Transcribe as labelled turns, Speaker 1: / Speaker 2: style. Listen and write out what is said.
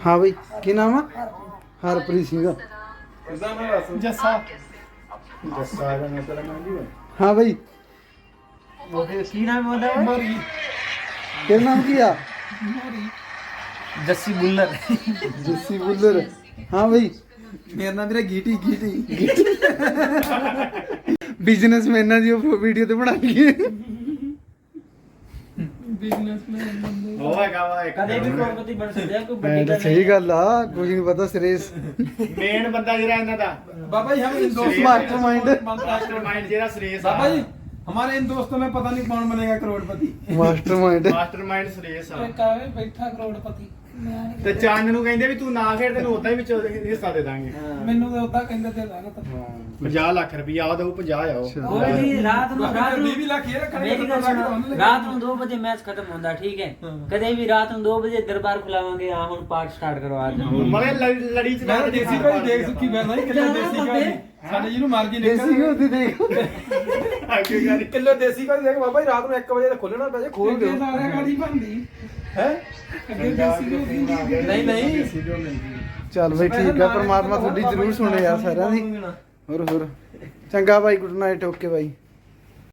Speaker 1: ਹਾਂ ਬਈ ਕੀ ਨਾਮ ਆ? ਹਰਪ੍ਰੀਤ ਸਿੰਘ।
Speaker 2: ਜੱਸਾ
Speaker 1: ਹਾਂ ਬਈ
Speaker 3: ਕੀ ਨਾਮ ਹੁੰਦਾ
Speaker 2: ਮੋਰੀ
Speaker 1: ਤੇਰਾ ਨਾਮ ਕੀ ਆ?
Speaker 3: ਜੱਸੀ ਬੁੱਲਰ।
Speaker 1: ਜੱਸੀ ਬੁੱਲਰ। ਹਾਂ ਬਈ
Speaker 2: ਮੇਰਾ ਨਾਮ ਵੀਰੇ ਗੀਟੀ
Speaker 1: ਬਿਜ਼ਨਸਮੈਨਾਂ ਦੀ ਵੀਡੀਓ ਤੇ ਬਣਾ ਲਈਏ।
Speaker 2: ਬਿਜ਼ਨਸਮੈਨ
Speaker 4: ਉਹ ਹੈਗਾ ਵਾ ਇੱਕ
Speaker 3: ਕਦੇ ਵੀ ਕਰੋੜਪਤੀ ਬਣ ਸਕਦੇ ਆ ਕੋਈ
Speaker 1: ਮੈਂ
Speaker 3: ਵੱਡੀ
Speaker 1: ਤਾਂ
Speaker 3: ਗੱਲ
Speaker 1: ਸਹੀ ਗੱਲ ਆ, ਕੁਝ ਨਹੀਂ ਪਤਾ ਸਿਰੇਸ
Speaker 4: ਮੇਨ ਬੰਦਾ ਜਿਹੜਾ ਇਹਨਾਂ ਦਾ
Speaker 2: बाबा जी हम इन दोस्तों
Speaker 1: मास्टरमाइंड।
Speaker 4: ਮਾਸਟਰਮਾਈंड ਜਿਹੜਾ ਸੁਰੇਸ਼
Speaker 2: बाबा जी हमारे इन दोस्तों में पता नहीं कौन बनेगा करोड़पति
Speaker 1: ਮਾਸਟਰਮਾइंड।
Speaker 4: ਮਾਸਟਰਮਾਈਂਡ ਸੁਰੇਸ਼ ਆ
Speaker 2: कावे बैठा करोड़पति
Speaker 4: ਤੇ ਚੰਨ ਨੂੰ ਕਹਿੰਦੇ ਵੀ ਤੂੰ ਨਾ ਖੇਡ ਤੈਨੂੰ ਉਦਾਂ ਹੀ ਵਿੱਚ ਹਿੱਸਾ ਦੇ ਦਾਂਗੇ
Speaker 2: ਮੈਨੂੰ ਤਾਂ ਉਦਾਂ ਕਹਿੰਦੇ ਤੇ ਲਾਗਤ
Speaker 4: 50 ਲੱਖ ਰੁਪਇਆ ਆ ਦਊ 50 ਆਓ
Speaker 3: ਕੋਈ ਨਹੀਂ ਰਾਤ ਨੂੰ
Speaker 2: 20 ਲੱਖ ਇਹ ਰੱਖਣੇ
Speaker 3: ਮੇਰੀ ਗੱਲ ਸੁਣੋ, ਰਾਤ ਨੂੰ 2 ਵਜੇ ਮੈਚ ਖਤਮ ਹੁੰਦਾ ਠੀਕ ਹੈ ਕਦੇ ਵੀ ਰਾਤ ਨੂੰ 2 ਵਜੇ ਦਰਬਾਰ ਖੁਲਾਵਾਂਗੇ ਆ ਹੁਣ ਪਾਠ ਸਟਾਰਟ ਕਰਵਾ ਦੇ
Speaker 4: ਮਲੇ ਲੜੀ ਚ
Speaker 2: ਮੈਂ ਤਾਂ ਦੇਸੀ ਭਾਈ ਦੇਖ ਸੁੱਕੀ ਮੈਂ ਨਹੀਂ ਕਿਲੋ ਦੇਸੀ ਭਾਈ ਸਾਡੇ ਜਿਹਨੂੰ ਮਰਜੀ
Speaker 1: ਦੇਸੀ
Speaker 2: ਨਿਕਲ
Speaker 1: ਘਿਓ ਦੀ ਦੇਖ
Speaker 4: ਅੱਗੇ ਗੱਲ
Speaker 2: ਕਿਲੋ ਦੇਸੀ ਭਾਈ ਦੇਖ ਬਾਬਾ ਜੀ ਰਾਤ ਨੂੰ 1 ਵਜੇ ਖੋਲਣਾ ਪੈ ਜੇ ਖੋਲ ਦਿਓ
Speaker 5: ਸਾਰਿਆਂ ਗਾੜੀ ਬਣਦੀ
Speaker 2: ਹੈ
Speaker 5: ਅੱਗੇ ਦੇਸੀ ਘਿਓ ਦੀ ਹੁੰਦੀ।
Speaker 2: ਨਹੀਂ
Speaker 1: ਚੱਲ ਬਈ ਠੀਕ ਆ, ਪਰਮਾਤਮਾ ਤੁਹਾਡੀ ਜ਼ਰੂਰ ਸੁਣੇ ਯਾਰ ਸਾਰਿਆਂ ਦੀ। ਹੋਰ ਚੰਗਾ ਬਾਈ, ਗੁੱਡ ਨਾਈਟ, ਓਕੇ ਬਾਈ।